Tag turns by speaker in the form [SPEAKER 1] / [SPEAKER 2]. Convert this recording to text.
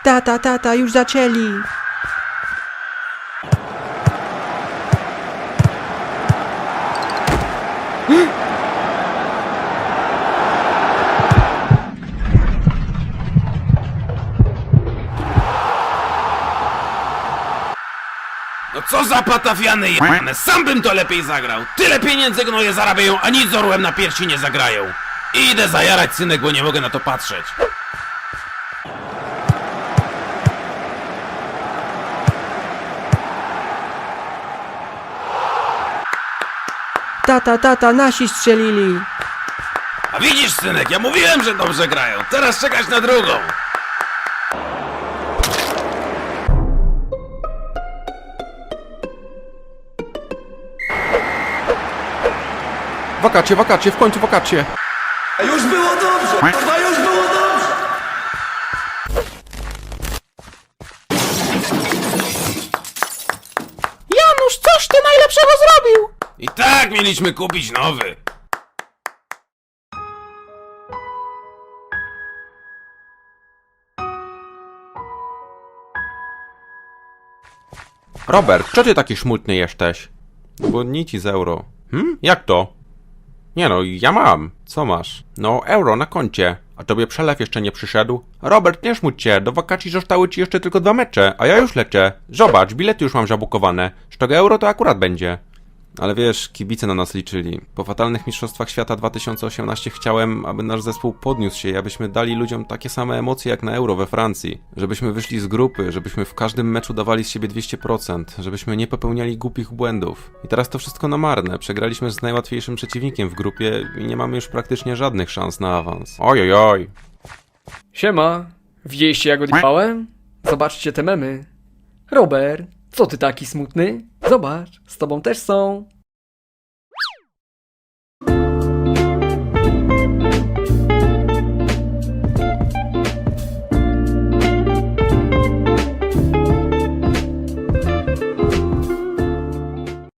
[SPEAKER 1] Tata, już zaczęli.
[SPEAKER 2] No co za patafiany jebane, sam bym to lepiej zagrał. Tyle pieniędzy gnoje zarabiają, a nic z orłem na piersi nie zagrają. Idę zajarać, synek, bo nie mogę na to patrzeć.
[SPEAKER 1] Tata, nasi strzelili.
[SPEAKER 2] A widzisz, synek, ja mówiłem, że dobrze grają. Teraz czekać na drugą.
[SPEAKER 3] Wakacje, w końcu wakacje.
[SPEAKER 4] Już było dobrze! Kurwa, już było dobrze!
[SPEAKER 1] Janusz, coś ty najlepszego zrobił?
[SPEAKER 2] I tak mieliśmy kupić nowy.
[SPEAKER 3] Robert, co ty taki smutny jesteś? No bo nic ci z euro. Jak to? Nie no, ja mam. Co masz? No, euro na koncie. A tobie przelew jeszcze nie przyszedł? Robert, nie szmuć się, do wakacji zostały ci jeszcze tylko 2 mecze, a ja już lecę. Zobacz, bilety już mam zabukowane. Z tego euro to akurat będzie. Ale wiesz, kibice na nas liczyli. Po fatalnych mistrzostwach świata 2018 chciałem, aby nasz zespół podniósł się i abyśmy dali ludziom takie same emocje jak na euro we Francji. Żebyśmy wyszli z grupy, żebyśmy w każdym meczu dawali z siebie 200%, żebyśmy nie popełniali głupich błędów. I teraz to wszystko na marne. Przegraliśmy z najłatwiejszym przeciwnikiem w grupie i nie mamy już praktycznie żadnych szans na awans. Ojojoj.
[SPEAKER 5] Siema, widzieliście jak odjebałem? Zobaczcie te memy. Robert, co ty taki smutny? Zobacz, z tobą też są.